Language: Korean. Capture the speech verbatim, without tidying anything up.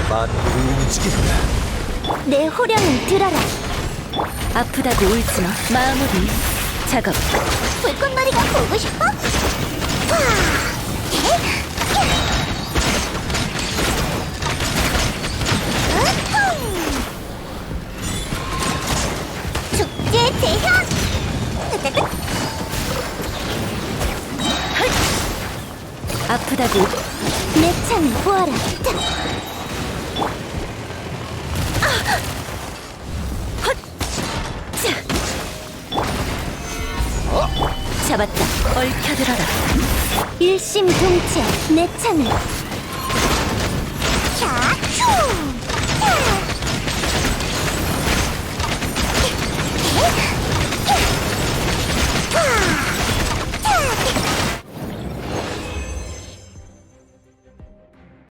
만물을 움직인다. 내 호령을 들어라. 아프다고 울지마. 마무리. 작업. 불꽃놀이가 보고 싶어? 와! 축제 대현! 아프다고. 내 창을 보아라. 잡았다. 얽혀들어라. 일심동체 내 창을. 자, 휴!